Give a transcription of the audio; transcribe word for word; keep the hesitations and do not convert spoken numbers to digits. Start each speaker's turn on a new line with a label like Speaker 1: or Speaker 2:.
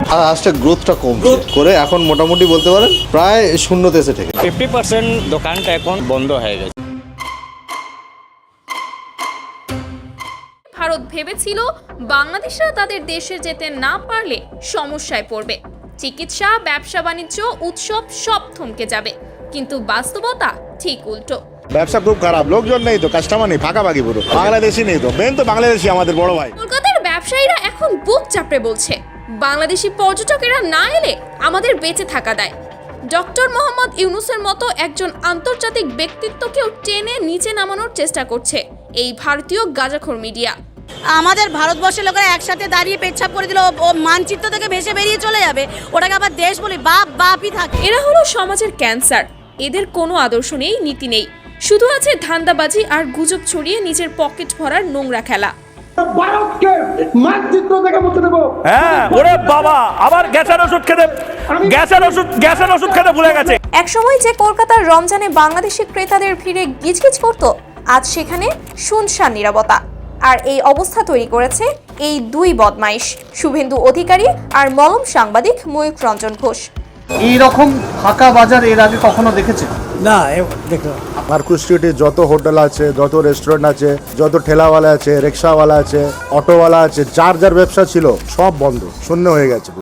Speaker 1: আজটা গ্রোথটা কম করে এখন মোটামুটি বলতে পারেন প্রায় শূন্যতে এসে থেকে
Speaker 2: ফিফটি পার্সেন্ট দোকানটা এখন বন্ধ হয়ে গেছে।
Speaker 3: ভারত ভেবেছিল বাংলাদেশরা তাদের দেশে যেতে না পারলে সমস্যায় পড়বে, চিকিৎসা, ব্যবসা বাণিজ্য, উৎসব সব থমকে যাবে। কিন্তু বাস্তবতা ঠিক উল্টো।
Speaker 4: ব্যবসা খুব খারাপ, লোকজন নেই তো, কাস্টমার নেই, ফাঁকাফাঁকি পুরো, বাংলাদেশি নেই তো, মেন তো বাংলাদেশি আমাদের বড় ভাই।
Speaker 3: কলকাতার ব্যবসায়ীরা এখন বুক চাপড়ে বলছে, বাংলাদেশি পর্যটকেরা না এলে আমাদের বেঁচে থাকা দায়। ডক্টর মোহাম্মদ ইউনুসের মতো একজন আন্তর্জাতিক ব্যক্তিত্বকেও টেনে নিচে নামানোর চেষ্টা করছে এই ভারতীয় গাঁজাখোর মিডিয়া।
Speaker 5: আমাদের ভারতবর্ষের লোকেরা একসাথে দাঁড়িয়ে পেচ্ছাপ করে দিল, ও মানচিত্র থেকে ভেসে বেরিয়ে চলে যাবে, ওটাকে আবার দেশ বলি, বাপ বাপই থাকে।
Speaker 3: এরা হলো সমাজের ক্যান্সার। এদের কোনো আদর্শ নেই, নীতি নেই, শুধু আছে ধান্দাবাজি আর গুজব ছড়িয়ে নিজের পকেট ভরার নোংরা খেলা।
Speaker 6: ভারতকে মানচিত্র থেকে মুছে দেব।
Speaker 7: হ্যাঁ, ওরে বাবা, আবার গ্যাসের ওষুধ খেতে গ্যাসের ওষুধ গ্যাসের ওষুধ খেতে ভুলে গেছে।
Speaker 3: একসময় যে কলকাতার রমজানে বাংলাদেশি ক্রেতাদের ভিড়ে গিজগিজ করত, আজ সেখানে শুনশান নীরবতা। আর এই অবস্থা তৈরি করেছে এই দুই বদমাইশ, শুভেন্দু অধিকারী আর মলম সাংবাদিক ময়ূক রঞ্জন ঘোষ।
Speaker 8: এইরকম ফাঁকা বাজার এর আগে কখনো দেখেছে
Speaker 9: না? দেখো,
Speaker 4: মার্কুস স্ট্রিটে যত হোটেল আছে, যত রেস্টুরেন্ট আছে, যত ঠেলাওয়ালা আছে, রিক্সাওয়ালা আছে, অটোওয়ালা আছে, যার যার ব্যবসা ছিল সব বন্ধ, শূন্য হয়ে গেছে।